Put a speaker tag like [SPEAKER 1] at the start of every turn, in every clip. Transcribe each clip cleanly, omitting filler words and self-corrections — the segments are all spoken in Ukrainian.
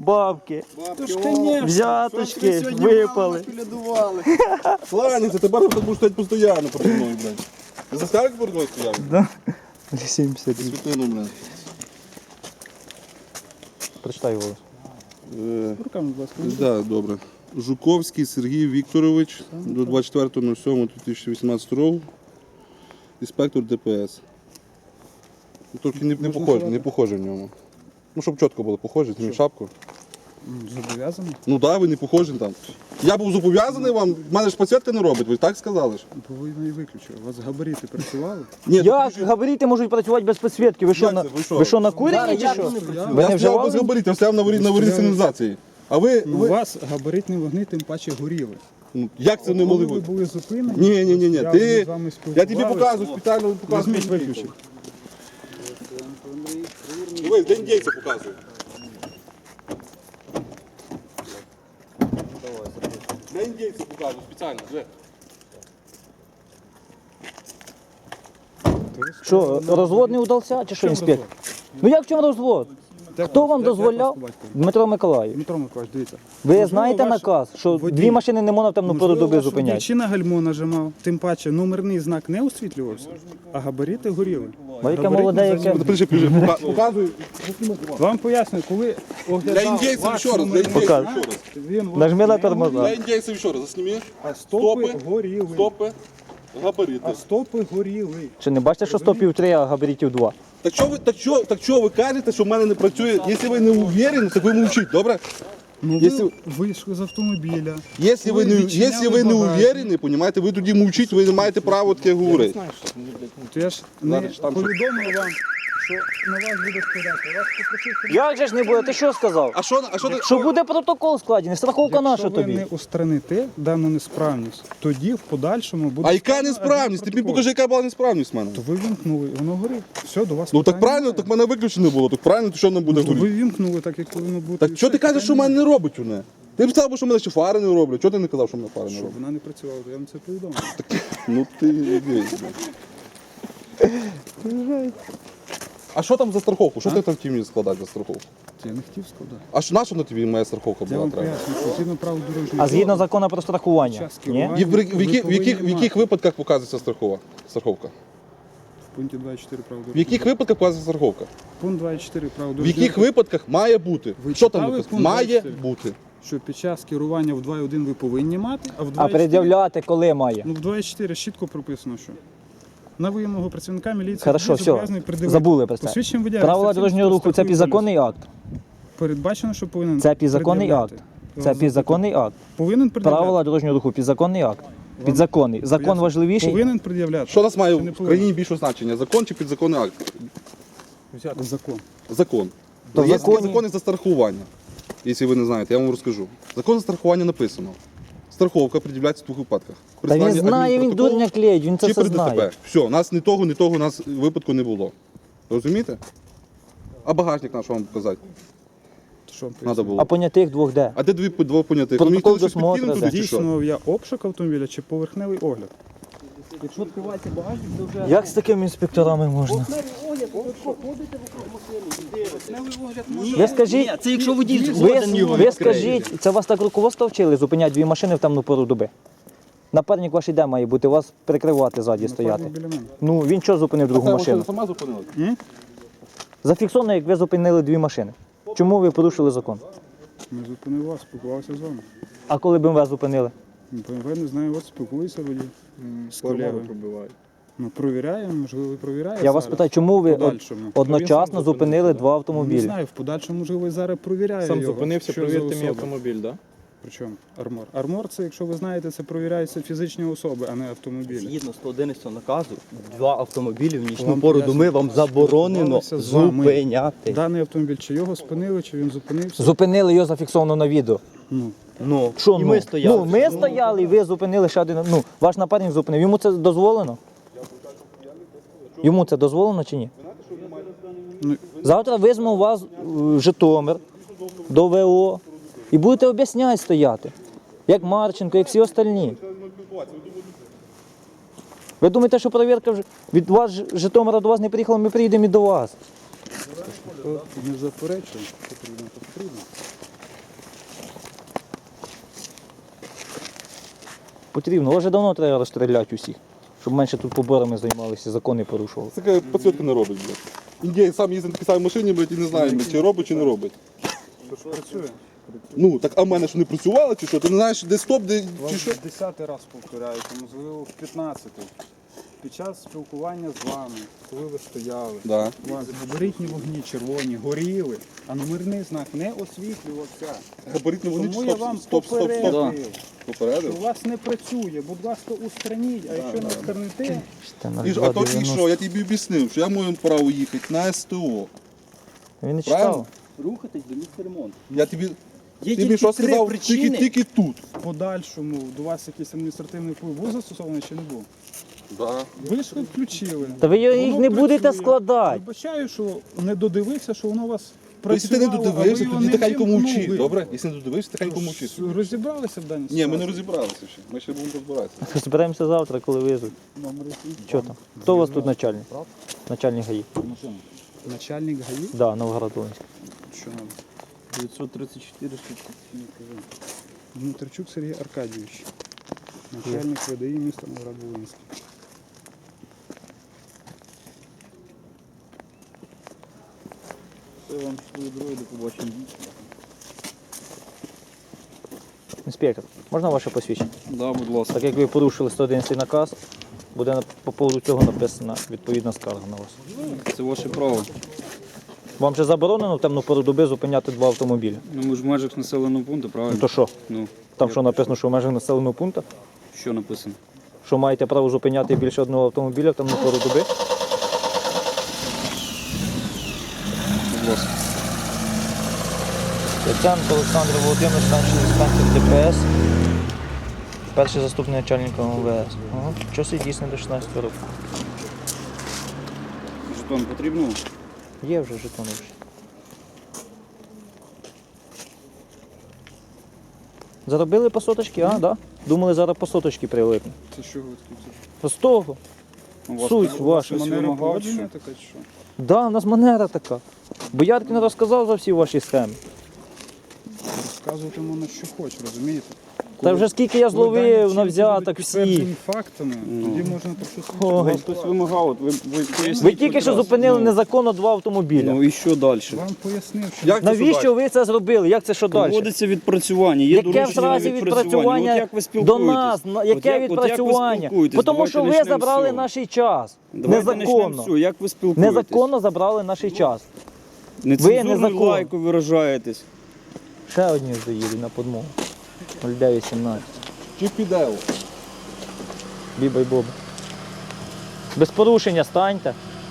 [SPEAKER 1] бабки,
[SPEAKER 2] Бабки,
[SPEAKER 1] взяточки, випали.
[SPEAKER 3] Кланяйся, тепер ти будеш стояти постійно перед мною, блядь. Ти за старик перед мною стояв?
[SPEAKER 1] Да? 70.
[SPEAKER 3] Світину, блядь.
[SPEAKER 1] Прочитай голос.
[SPEAKER 2] Руками, будь ласка.
[SPEAKER 3] Да, добре. Жуковський Сергій Вікторович до 24.07.2018 року. Інспектор ДПС. Тільки не похоже в ньому. Ну, щоб чітко було похоже, зніми шапку.
[SPEAKER 2] Зобов'язаний?
[SPEAKER 3] Ну так, ви не похожі там. Я був зобов'язаний вам, в мене ж підсвітка не робить, ви так сказали ж?
[SPEAKER 2] Бо ви її виключили. У вас габарити працювали?
[SPEAKER 3] Ні,
[SPEAKER 1] Як габарити можуть працювати без підсвітки? Ви що,
[SPEAKER 3] Як це? Ви що?
[SPEAKER 1] ви що накурені чи що? Ви
[SPEAKER 3] я
[SPEAKER 1] не
[SPEAKER 3] стояв без
[SPEAKER 1] вживали?
[SPEAKER 3] габаритів, я стояв на аварійній сигналізації. А ви,
[SPEAKER 2] Ну, у вас габаритні вогни тим паче горіли.
[SPEAKER 3] ну, як це не могли
[SPEAKER 2] Коли ви
[SPEAKER 3] бути?
[SPEAKER 2] були зупинені,
[SPEAKER 3] Ні,
[SPEAKER 2] я
[SPEAKER 3] ти,
[SPEAKER 2] з вами
[SPEAKER 3] я
[SPEAKER 2] спілкувався.
[SPEAKER 3] тобі показую, спеціально показую.
[SPEAKER 2] Візьміть, виключіть.
[SPEAKER 3] Ви, день дійця показую. День дійця показую, спеціально, вже.
[SPEAKER 1] Що, розвод не удався чи що, інспектор? Ну як в чому розвод? Хто вам дозволяв? Дмитро Миколаївич.
[SPEAKER 2] Дмитро Миколаївич, дивіться.
[SPEAKER 1] Ви знаєте
[SPEAKER 2] ваш
[SPEAKER 1] наказ, що
[SPEAKER 2] водій-
[SPEAKER 1] дві машини не можна в темну пору доби зупиняти?
[SPEAKER 2] Чи на гальмо нажимав, тим паче номерний знак не освітлювався, а габарити горіли.
[SPEAKER 1] Бо яке
[SPEAKER 2] Габаритні
[SPEAKER 1] молоде, яке...
[SPEAKER 2] заземлення.
[SPEAKER 3] Показую.
[SPEAKER 2] Вам пояснюю, коли
[SPEAKER 3] Для
[SPEAKER 2] оглядав
[SPEAKER 3] індійців
[SPEAKER 2] ваш
[SPEAKER 3] ще раз, для
[SPEAKER 2] номерний
[SPEAKER 3] індійців
[SPEAKER 1] Покажу.
[SPEAKER 3] ще раз.
[SPEAKER 2] він вас
[SPEAKER 1] Нажми на
[SPEAKER 2] не
[SPEAKER 1] тормоза.
[SPEAKER 3] Для індійців ще раз, засніми.
[SPEAKER 2] А стопи горіли.
[SPEAKER 3] Стопи, габарити.
[SPEAKER 2] А стопи горіли.
[SPEAKER 1] Чи не бачите, що стопів 3, а габаритів 2?
[SPEAKER 3] Так що ви кажете, що в мене не працює? Якщо ви не уверені, так ви мовчіть, добре?
[SPEAKER 2] Ну
[SPEAKER 3] Якщо-
[SPEAKER 2] ви вийшли з автомобіля.
[SPEAKER 3] Якщо ви не,
[SPEAKER 2] відчиняли
[SPEAKER 3] якщо ви не
[SPEAKER 2] багажник.
[SPEAKER 3] уверені, понімаєте, ви тоді мовчіть, ви не маєте права таке говорити.
[SPEAKER 2] То я ж не повідомив вам, що на вас буде складати. Вас попросив, щоб
[SPEAKER 1] Як же ж не буде? Ти що сказав?
[SPEAKER 3] А що ти?
[SPEAKER 1] Що буде протокол складений, страховка наша
[SPEAKER 2] якщо ви
[SPEAKER 1] тобі.
[SPEAKER 2] не устраните дану несправність, тоді в подальшому буде...
[SPEAKER 3] А яка
[SPEAKER 2] складено
[SPEAKER 3] несправність? Ти мені
[SPEAKER 2] адмінпротокол.
[SPEAKER 3] покажи, яка була несправність в мене.
[SPEAKER 2] То ви вімкнули, воно горить. Все, до вас
[SPEAKER 3] Ну так
[SPEAKER 2] питань
[SPEAKER 3] правильно,
[SPEAKER 2] немає.
[SPEAKER 3] так мене виключено було, так правильно, то що нам буде
[SPEAKER 2] То ви
[SPEAKER 3] говорити?
[SPEAKER 2] вімкнули так, як повинно бути.
[SPEAKER 3] Так
[SPEAKER 2] і
[SPEAKER 3] що
[SPEAKER 2] все,
[SPEAKER 3] ти кажеш, що в
[SPEAKER 2] питань
[SPEAKER 3] мене не робить вони? Ти б сказав, що в мене ще фари не роблять. Чого ти не казав, що в мене фари не
[SPEAKER 2] немає. Щоб
[SPEAKER 3] роблять?
[SPEAKER 2] вона не працювала, то я вам це повідомив.
[SPEAKER 3] Ну ти ідея. А що там за страховку? Що ти там хотів мені складати за страховку?
[SPEAKER 2] Я не хотів складати.
[SPEAKER 3] А що на що на тобі моя страховка
[SPEAKER 2] Я
[SPEAKER 3] була
[SPEAKER 2] вам
[SPEAKER 3] треба?
[SPEAKER 2] поясню, що згідно правил дорожнього
[SPEAKER 1] А згідно
[SPEAKER 2] руху,
[SPEAKER 1] закону про страхування?
[SPEAKER 2] час
[SPEAKER 1] Ні?
[SPEAKER 2] керування
[SPEAKER 3] І в
[SPEAKER 2] ви
[SPEAKER 3] яких
[SPEAKER 2] повинні
[SPEAKER 3] випадках показується страховка?
[SPEAKER 2] в пункті 24 правил
[SPEAKER 3] В
[SPEAKER 2] дорожнього
[SPEAKER 3] яких випадках показується страховка?
[SPEAKER 2] Пункт 24 правил
[SPEAKER 3] В
[SPEAKER 2] дорожнього
[SPEAKER 3] яких
[SPEAKER 2] руху,
[SPEAKER 3] випадках має бути?
[SPEAKER 2] Ви
[SPEAKER 3] Що там
[SPEAKER 2] читали
[SPEAKER 3] написано?
[SPEAKER 2] пункт
[SPEAKER 3] Має
[SPEAKER 2] 24?
[SPEAKER 3] бути.
[SPEAKER 2] що під час керування в 2.1 ви повинні мати, а в 2.4
[SPEAKER 1] А пред'являти коли має?
[SPEAKER 2] ну, в 2.4 чітко прописано, що на вимогу працівника міліції
[SPEAKER 1] Хорошо,
[SPEAKER 2] водій
[SPEAKER 1] все,
[SPEAKER 2] зобов'язаний пред'явити
[SPEAKER 1] забули про це.
[SPEAKER 2] посвідчення водія,
[SPEAKER 1] Правила
[SPEAKER 2] реєстраційний
[SPEAKER 1] дорожнього руху – це
[SPEAKER 2] страховий
[SPEAKER 1] підзаконний акт.
[SPEAKER 2] поліс. Передбачено, що повинен
[SPEAKER 1] Це підзаконний акт.
[SPEAKER 2] пред'являти.
[SPEAKER 1] Це підзаконний акт.
[SPEAKER 2] Повинен пред'являти.
[SPEAKER 1] Правила дорожнього руху – підзаконний акт. Підзаконний. Закон важливіший.
[SPEAKER 2] Повинен пред'являти.
[SPEAKER 3] Що у нас має
[SPEAKER 2] Чи не
[SPEAKER 3] в
[SPEAKER 2] повинен?
[SPEAKER 3] країні більше значення? Закон чи підзаконний акт?
[SPEAKER 2] Закон.
[SPEAKER 3] Закон.
[SPEAKER 1] То в
[SPEAKER 3] Є
[SPEAKER 1] законі-
[SPEAKER 3] закони за страхування. Якщо ви не знаєте, я вам розкажу. Закон за страхування написано. Страховка пред'являється в двох випадках.
[SPEAKER 1] Та він знає, він дурня клеїть, він це
[SPEAKER 3] чи
[SPEAKER 1] все
[SPEAKER 3] при ДТП.
[SPEAKER 1] знає.
[SPEAKER 3] Все, у нас ні того, у нас випадку не було. Розумієте? А багажник наш вам показати
[SPEAKER 2] Що вам
[SPEAKER 3] треба
[SPEAKER 2] пояснити?
[SPEAKER 3] було.
[SPEAKER 1] А понятих двох де?
[SPEAKER 3] А де двох понятих?
[SPEAKER 1] Протокол
[SPEAKER 3] Мені хотіли щось
[SPEAKER 1] досмотру,
[SPEAKER 3] підкинути
[SPEAKER 1] да.
[SPEAKER 3] туди, чи що?
[SPEAKER 2] Здійснював я обшук автомобіля чи поверхневий огляд?
[SPEAKER 4] Якщо відкривається багажник, то вже
[SPEAKER 1] Як з такими інспекторами можна?
[SPEAKER 4] поверхневий огляд, ви ходите вокруг машини.
[SPEAKER 1] Ви скажіть,
[SPEAKER 4] Це якщо водій
[SPEAKER 1] ви,
[SPEAKER 4] згоден його
[SPEAKER 1] ви
[SPEAKER 4] відкриє.
[SPEAKER 1] скажіть, це вас так руководство вчили зупиняти дві машини в темну пору доби? Напарник ваш іде має бути, вас прикривати ззаді стояти.
[SPEAKER 2] Напарник біля мене.
[SPEAKER 1] Ну він що зупинив другу
[SPEAKER 3] Це
[SPEAKER 1] машину?
[SPEAKER 3] ви сама зупинила?
[SPEAKER 1] Зафіксовано, як ви зупинили дві машини. Чому ви порушили закон?
[SPEAKER 2] Ми зупинив вас, спілкувався з вами.
[SPEAKER 1] А коли б ви вас зупинили?
[SPEAKER 2] БМВ не знаю, от спілкуюся водій з колегою. Ну, провіряємо, можливо, і провіряє.
[SPEAKER 1] Я вас
[SPEAKER 2] зараз.
[SPEAKER 1] питаю, чому ви
[SPEAKER 2] Подальшому.
[SPEAKER 1] одночасно зупинили два
[SPEAKER 2] Не
[SPEAKER 1] автомобілі?
[SPEAKER 2] знаю, в подальшому, можливо, і зараз провіряє
[SPEAKER 5] Сам
[SPEAKER 2] його.
[SPEAKER 5] зупинився,
[SPEAKER 2] що за
[SPEAKER 5] перевірте мій
[SPEAKER 2] особа.
[SPEAKER 5] автомобіль, так? Да?
[SPEAKER 2] Причому армор. Армор це, якщо ви знаєте, це провіряються фізичні особи, а не автомобілі.
[SPEAKER 4] Згідно 111 наказу, два автомобілі в нічну
[SPEAKER 2] Вам
[SPEAKER 4] пору
[SPEAKER 2] поясню,
[SPEAKER 4] доми вам заборонено
[SPEAKER 2] спілкувалися з вами.
[SPEAKER 4] зупиняти.
[SPEAKER 2] Даний автомобіль, чи його спинили, чи він зупинився.
[SPEAKER 1] Зупинили його зафіксовано на відео.
[SPEAKER 2] Ну,
[SPEAKER 4] Ну,
[SPEAKER 1] Що
[SPEAKER 4] і
[SPEAKER 1] ну?
[SPEAKER 4] ми стояли.
[SPEAKER 1] Ну, ми стояли і ви зупинили ще один. Ну, ваш напарник зупинив. Йому це дозволено? Йому це дозволено чи ні?
[SPEAKER 2] Ну.
[SPEAKER 1] Завтра візьму вас в Житомир до ВО і будете об'ясняти стояти. Як Марченко, як всі остальні. Ви думаєте, що перевірка від вас з Житомира до вас не приїхала, ми приїдемо і до вас.
[SPEAKER 2] не заперечує, потрібно, то потрібно.
[SPEAKER 1] Потрібно. Вже давно треба розстріляти усіх, щоб менше тут поборами займалися, закони порушували.
[SPEAKER 3] Це така підсвітка не робить, блядь. Індія сам їздить на такій самій машині, блядь, і не знає, блядь, чи робить, чи не робить.
[SPEAKER 2] То що працює?
[SPEAKER 3] Ну, так а в мене що не працювало, чи що? Ти не знаєш, де стоп, де
[SPEAKER 2] Вам
[SPEAKER 3] чи що?
[SPEAKER 2] 10-й раз повторяю, а можливо в 15-й. Під час спілкування з вами, коли ви стояли,
[SPEAKER 3] Да.
[SPEAKER 2] у вас габаритні вогні червоні горіли, а номерний знак не освітлювався.
[SPEAKER 3] Габаритні вони
[SPEAKER 2] Тому я вам
[SPEAKER 3] стоп.
[SPEAKER 2] попередив, що
[SPEAKER 3] Попередив?
[SPEAKER 2] у вас не працює. Будь ласка, устраніть, а якщо не устраните,
[SPEAKER 3] І ж, а то і що? Я тобі об'яснив, що я маю право їхати на СТО.
[SPEAKER 1] Він не
[SPEAKER 3] Правильно?
[SPEAKER 1] читав.
[SPEAKER 4] Рухатись до місця ремонту.
[SPEAKER 3] Я тобі,
[SPEAKER 4] Є
[SPEAKER 3] ти мені
[SPEAKER 4] тільки
[SPEAKER 3] що
[SPEAKER 4] три
[SPEAKER 3] сказав,
[SPEAKER 4] причини.
[SPEAKER 3] тільки тут.
[SPEAKER 2] в подальшому до вас якийсь адміністративний вплив був застосований чи не був?
[SPEAKER 3] Да.
[SPEAKER 2] Ви ж включили.
[SPEAKER 1] Та ви їх
[SPEAKER 2] Воно
[SPEAKER 1] не будете
[SPEAKER 2] працює.
[SPEAKER 1] складати.
[SPEAKER 2] Вибачаю, що не додивився, що воно у вас
[SPEAKER 3] Якщо ти не
[SPEAKER 2] працювало, а ви
[SPEAKER 3] додивився,
[SPEAKER 2] його
[SPEAKER 3] тоді
[SPEAKER 2] не
[SPEAKER 3] тихенько мовчи.
[SPEAKER 2] вимкнули.
[SPEAKER 3] Добре? Якщо не додивився, тихенько мовчи.
[SPEAKER 2] Розібралися в даній
[SPEAKER 3] Ні,
[SPEAKER 2] ситуації?
[SPEAKER 3] ми не розібралися ще. Ми ще будемо розбиратися.
[SPEAKER 1] Зберемося завтра, коли визвуть. Що там? Хто у вас тут начальник? Начальник ГАІ.
[SPEAKER 2] Начальник ГАІ?
[SPEAKER 1] Да, Новгород-Волинський.
[SPEAKER 2] Що нам?
[SPEAKER 4] 934
[SPEAKER 2] Дмитричук Сергій Аркадійович. Начальник ВДІ міста Новгород-Волинський.
[SPEAKER 4] Це вам свої дороги, до побачення.
[SPEAKER 1] Інспектор, можна ваше посвідчення?
[SPEAKER 4] Да, будь ласка.
[SPEAKER 1] Так як ви порушили 111 наказ, буде по поводу цього написана відповідна скарга на вас.
[SPEAKER 4] Це ваше право.
[SPEAKER 1] Вам же заборонено в темну пору доби зупиняти два автомобілі.
[SPEAKER 4] Ну ми ж в межах населеного пункту,
[SPEAKER 1] Ну
[SPEAKER 4] правильно?
[SPEAKER 1] то що?
[SPEAKER 4] Ну,
[SPEAKER 1] Там що написано, що в межах населеного пункту?
[SPEAKER 4] що написано?
[SPEAKER 1] Що маєте право зупиняти більше одного автомобіля в темну пору доби?
[SPEAKER 4] Будь ласка.
[SPEAKER 1] Яценко Олександр Володимирович, старший інспектор ДПС, перший заступник начальника МВС. Ага. Час і дійсно до 16 років.
[SPEAKER 4] Жетон потрібно?
[SPEAKER 1] Є вже жетони вже. Заробили по соточки, а, да? Думали, зараз по соточки прилипне.
[SPEAKER 2] Це що ви тут?
[SPEAKER 1] З того.
[SPEAKER 4] У вас
[SPEAKER 1] Суть
[SPEAKER 4] хтось-
[SPEAKER 1] ваша.
[SPEAKER 4] хтось
[SPEAKER 2] Манера
[SPEAKER 4] вимагав,
[SPEAKER 2] поводження
[SPEAKER 4] що?
[SPEAKER 2] така чи що?
[SPEAKER 1] Да, у нас манера така. Бояркін розказав за всі ваші схеми.
[SPEAKER 2] Розказувати можна, що хоче, розумієте?
[SPEAKER 1] Та вже скільки я
[SPEAKER 2] Коли дані
[SPEAKER 1] зловив
[SPEAKER 2] вчинки
[SPEAKER 1] на взяток
[SPEAKER 2] будуть
[SPEAKER 1] всі.
[SPEAKER 2] підтверджені фактами, тоді можна про щось
[SPEAKER 1] Ой.
[SPEAKER 4] У вас хтось вимагав, от ви поясніть
[SPEAKER 1] Ви тільки
[SPEAKER 4] хоч
[SPEAKER 1] що
[SPEAKER 4] раз.
[SPEAKER 1] зупинили
[SPEAKER 4] Ну,
[SPEAKER 1] незаконно два автомобіля.
[SPEAKER 4] Ну і що далі?
[SPEAKER 2] Вам пояснив, що
[SPEAKER 3] Як це
[SPEAKER 1] Навіщо
[SPEAKER 3] далі?
[SPEAKER 1] ви це зробили? Як це що далі?
[SPEAKER 4] Проводиться відпрацювання, є
[SPEAKER 1] Яке в
[SPEAKER 4] доручення на
[SPEAKER 1] разі відпрацювання
[SPEAKER 4] От як ви
[SPEAKER 1] до
[SPEAKER 4] спілкуєтесь?
[SPEAKER 1] нас? Яке відпрацювання?
[SPEAKER 4] Тому
[SPEAKER 1] Тому що ви забрали наш час. Незаконно.
[SPEAKER 4] Все, як ви спілкуєтесь?
[SPEAKER 1] Незаконно забрали наш час.
[SPEAKER 4] Нецензурною
[SPEAKER 1] незаконно.
[SPEAKER 4] лайкою виражаєтесь.
[SPEAKER 1] Ще одні ж доїду на подмогу. 0917.
[SPEAKER 3] Чи піде?
[SPEAKER 1] Біба й боба. Без порушення станьте.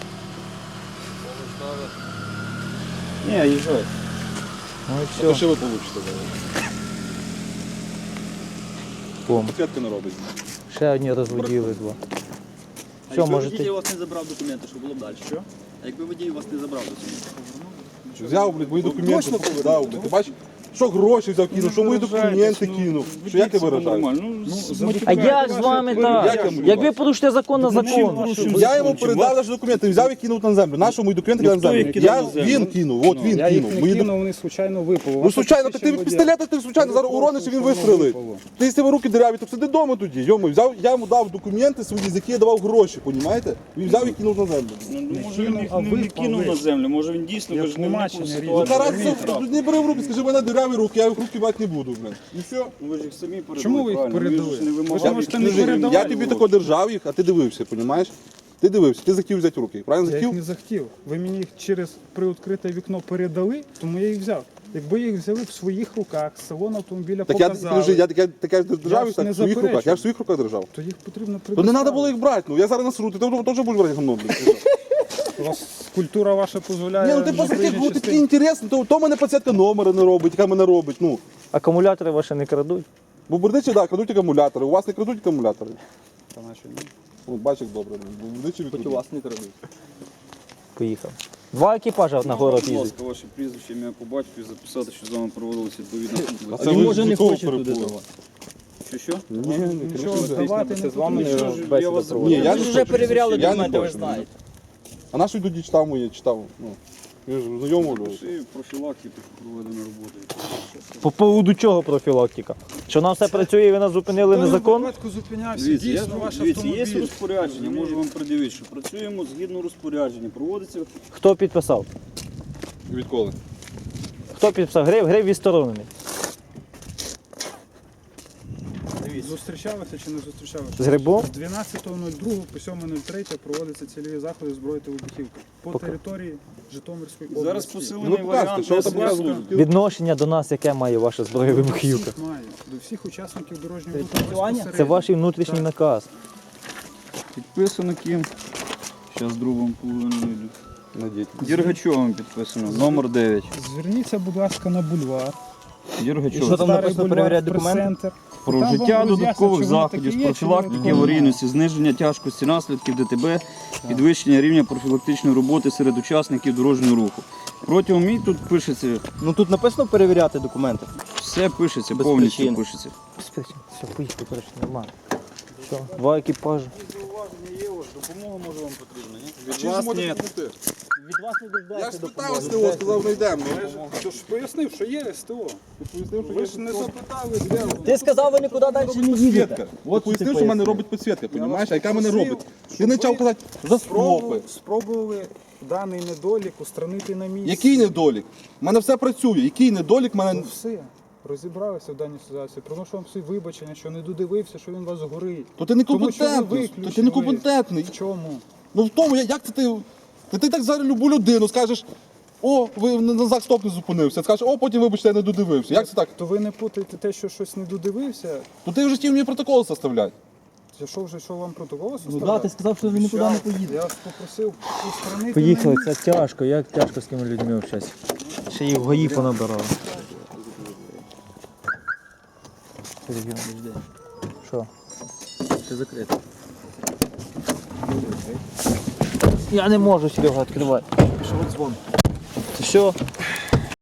[SPEAKER 4] Ні, їжджай.
[SPEAKER 1] Ну і
[SPEAKER 3] То
[SPEAKER 1] все.
[SPEAKER 3] що ви получите?
[SPEAKER 1] Бом.
[SPEAKER 3] Підсвітка не робить.
[SPEAKER 1] Ще одні розводіли два.
[SPEAKER 5] А
[SPEAKER 1] Все,
[SPEAKER 5] якби
[SPEAKER 1] можете.
[SPEAKER 5] водій у вас не забрав документи, що було б далі? Що? А якби водій у вас не забрав документи?
[SPEAKER 3] Взяв, блядь, мої документи, дав, блядь. Ти бачиш, що гроші взяв, кинув, що мої документи кинув. Що як ти виражаєш?
[SPEAKER 1] А як з вами так?
[SPEAKER 3] Як я
[SPEAKER 1] Як ви порушите закон на закон?
[SPEAKER 3] Я йому передав навіть документи, взяв і кинув на землю. Нащо мої документи кидав на
[SPEAKER 4] хто їх
[SPEAKER 3] землю?
[SPEAKER 4] кидав
[SPEAKER 3] Я,
[SPEAKER 4] на землю?
[SPEAKER 3] він кинув, от він
[SPEAKER 2] я їх
[SPEAKER 3] кинув.
[SPEAKER 2] не
[SPEAKER 3] Мої
[SPEAKER 2] кинув, вони случайно випали.
[SPEAKER 3] Ну, случайно, так ти пістолета ти случайно зараз урониш і він вистрелить. Ти з тебе руки дереві, то сиди вдома тоді. Йому взяв, я йому дав документи свої, з які я давав гроші, понімаєте? Він взяв і кинув на землю.
[SPEAKER 4] Може він їх
[SPEAKER 2] а
[SPEAKER 4] не
[SPEAKER 2] ви
[SPEAKER 4] кинув
[SPEAKER 2] пали.
[SPEAKER 4] на землю, може він дійсно
[SPEAKER 2] Як
[SPEAKER 4] ви ж не вникнув в
[SPEAKER 2] тлумачення
[SPEAKER 3] Ну
[SPEAKER 4] ситуацію.
[SPEAKER 3] та раз
[SPEAKER 2] розумієте?
[SPEAKER 3] це- не бери в руки, скажи, в мене дереві руки, я їх в руки брати не буду, блин. І все.
[SPEAKER 4] Ну, ви ж їх самі передали.
[SPEAKER 2] Чому ви їх
[SPEAKER 4] правильно?
[SPEAKER 2] передали?
[SPEAKER 4] Ви ж не
[SPEAKER 2] Ви ж
[SPEAKER 4] вимагали.
[SPEAKER 2] можете
[SPEAKER 4] їх.
[SPEAKER 2] не
[SPEAKER 3] Скажи,
[SPEAKER 2] передавати.
[SPEAKER 3] я тобі тако держав їх, а ти дивився, понімаєш? Ти дивився, ти захотів взяти в руки. Правильно
[SPEAKER 2] Я їх
[SPEAKER 3] захотів?
[SPEAKER 2] не захотів. Ви мені їх через приоткрите вікно передали, тому я їх взяв. Якби їх взяли в своїх руках, з салону автомобіля
[SPEAKER 3] Так я
[SPEAKER 2] показали,
[SPEAKER 3] підожди, я таке держав їх
[SPEAKER 2] ж не
[SPEAKER 3] так в своїх руках.
[SPEAKER 2] заперечую.
[SPEAKER 3] Я в своїх руках держав.
[SPEAKER 2] то їх потрібно
[SPEAKER 3] То не треба
[SPEAKER 2] предоставити.
[SPEAKER 3] було їх брати, ну я зараз насру, ти теж будеш брати гамно, блін.
[SPEAKER 2] У вас культура ваша дозволяє.
[SPEAKER 3] Ні, ну ти
[SPEAKER 2] на
[SPEAKER 3] просто
[SPEAKER 2] проїжджій
[SPEAKER 3] такий, ти такий
[SPEAKER 2] частині.
[SPEAKER 3] інтересний, то мене пацієнтка номери не робить, яка мене робить, ну.
[SPEAKER 1] Акумулятори ваші не крадуть.
[SPEAKER 3] Бо бердичі, так, крадуть акумулятори, у вас не крадуть акумулятори.
[SPEAKER 2] Та наче ні.
[SPEAKER 3] От, бач, як добре, бо бердичі
[SPEAKER 5] Хоч у
[SPEAKER 3] відкрадуть.
[SPEAKER 5] вас не крадуть.
[SPEAKER 1] Поїхав. Два екіпажа на город
[SPEAKER 4] Будь
[SPEAKER 1] їздять.
[SPEAKER 4] ласка, ваше прізвище, ім'я по батькові записати, що з вами проводилися відповідна
[SPEAKER 3] А
[SPEAKER 4] консультація.
[SPEAKER 3] це
[SPEAKER 5] Він
[SPEAKER 3] ви
[SPEAKER 5] може не
[SPEAKER 3] до того
[SPEAKER 5] хоче туди
[SPEAKER 3] перепутали.
[SPEAKER 5] давати.
[SPEAKER 4] Що?
[SPEAKER 3] Ні,
[SPEAKER 2] Нічого здавати не
[SPEAKER 5] З вами
[SPEAKER 2] потрібно.
[SPEAKER 5] не
[SPEAKER 4] Що ж,
[SPEAKER 5] бесіда
[SPEAKER 4] я вас
[SPEAKER 5] проводила.
[SPEAKER 3] Ні, я
[SPEAKER 5] Ви
[SPEAKER 3] не
[SPEAKER 5] ж вже
[SPEAKER 3] хочу.
[SPEAKER 5] перевіряли
[SPEAKER 3] Я не
[SPEAKER 5] документи, ви
[SPEAKER 3] хочу.
[SPEAKER 5] ж знаєте.
[SPEAKER 3] А наш тоді читав моє, читав, ну. Ви ж знайомий.
[SPEAKER 4] Пиши профілактику проведено роботи.
[SPEAKER 1] По поводу чого профілактика? Що нам все працює і ви нас зупинили незаконно?
[SPEAKER 2] випадку зупинявся,
[SPEAKER 5] Дивіться,
[SPEAKER 2] дійсно ваш
[SPEAKER 5] дивіться, є
[SPEAKER 2] автомобіль.
[SPEAKER 5] розпорядження, можу вам придивити, що працюємо згідно розпорядження, проводиться
[SPEAKER 1] Хто підписав?
[SPEAKER 3] Відколи?
[SPEAKER 1] Хто підписав? Грив відсторонений.
[SPEAKER 2] Зустрічалися чи не зустрічалися?
[SPEAKER 1] З Грибом?
[SPEAKER 2] З 12.02 по 7.03 проводяться цільові заходи зброї та вибухівки по території Житомирської області.
[SPEAKER 5] зараз
[SPEAKER 3] Ну,
[SPEAKER 5] посилений
[SPEAKER 3] показуйте,
[SPEAKER 5] варіант
[SPEAKER 3] що ви там
[SPEAKER 5] СВ служби.
[SPEAKER 3] показуєте?
[SPEAKER 1] Відношення до нас, яке має ваша зброя вибухівка?
[SPEAKER 2] Всіх має, до всіх учасників дорожнього руху
[SPEAKER 4] відпрацювання?
[SPEAKER 1] Це
[SPEAKER 2] безпосередньо.
[SPEAKER 1] ваш внутрішній наказ.
[SPEAKER 5] Підписано ким? Зараз другому половину йду.
[SPEAKER 3] Надіть.
[SPEAKER 5] Дергачовим підписано, номер 9.
[SPEAKER 2] Зверніться, будь ласка, на бульвар.
[SPEAKER 5] Дергачов.
[SPEAKER 4] Що там
[SPEAKER 2] Старий
[SPEAKER 4] написано,
[SPEAKER 2] бульвар,
[SPEAKER 4] перевіряти документи?
[SPEAKER 2] прес-центр.
[SPEAKER 5] Про
[SPEAKER 2] Там
[SPEAKER 5] вжиття
[SPEAKER 2] вам
[SPEAKER 5] додаткових
[SPEAKER 2] роз'яснять, чи вони
[SPEAKER 5] заходів з
[SPEAKER 2] такі є, чи
[SPEAKER 5] профілактики
[SPEAKER 2] вони
[SPEAKER 5] аварійності, зниження тяжкості наслідків ДТБ, підвищення рівня профілактичної роботи серед учасників дорожнього руху. Протягом мій тут пишеться,
[SPEAKER 4] Ну тут написано перевіряти документи.
[SPEAKER 5] все пишеться,
[SPEAKER 4] Без
[SPEAKER 5] повністю
[SPEAKER 4] причин.
[SPEAKER 5] пишеться.
[SPEAKER 1] Все, поїхали, коротше, нормально. Що? Два екіпажі.
[SPEAKER 5] Допомога може вам потрібна, ні?
[SPEAKER 3] Від вас ні.
[SPEAKER 4] Від вас не
[SPEAKER 3] Я
[SPEAKER 4] дождатися
[SPEAKER 3] ж спитав СТО, сказав, не йдемо.
[SPEAKER 2] Ти ж пояснив, що є СТО. Ви ж не запитали, де воно.
[SPEAKER 4] Ти сказав, ви нікуди далі не їдете.
[SPEAKER 3] Ти пояснив, що в мене робить підсвітка, розумієш? А яка мене робить? Ти не почав казати за стропи.
[SPEAKER 2] Спробували даний недолік устранити на місці.
[SPEAKER 3] Який недолік? У мене все працює. Який недолік в мене.
[SPEAKER 2] Ну все, розібралися в даній ситуації. Приношу вам всі вибачення, що не додивився, що він вас горить.
[SPEAKER 3] То ти некомпетентний. То ти некомпетентний.
[SPEAKER 2] В чому?
[SPEAKER 3] Ну в тому, як це ти. Ти так зараз любу людину скажеш, о, ви на знак стоп не зупинився. Скажеш, о, потім вибачте, я не додивився. Як це так?
[SPEAKER 2] То ви не путаєте те, що щось не додивився.
[SPEAKER 3] То ти вже хотів мені протокол составляти.
[SPEAKER 2] Що вам протокол
[SPEAKER 4] Ну
[SPEAKER 2] составляти?
[SPEAKER 4] да, ти сказав, що ви нікуди не поїдете.
[SPEAKER 2] Я вас попросив устранити
[SPEAKER 1] Поїхали,
[SPEAKER 2] на
[SPEAKER 1] це тяжко, як тяжко з тими людьми общатися. Ще їх в ГАІ понабирали. Що?
[SPEAKER 5] Це закрито.
[SPEAKER 1] Я не можу, Серега, відкривати.
[SPEAKER 4] Що от дзвон?
[SPEAKER 1] Все,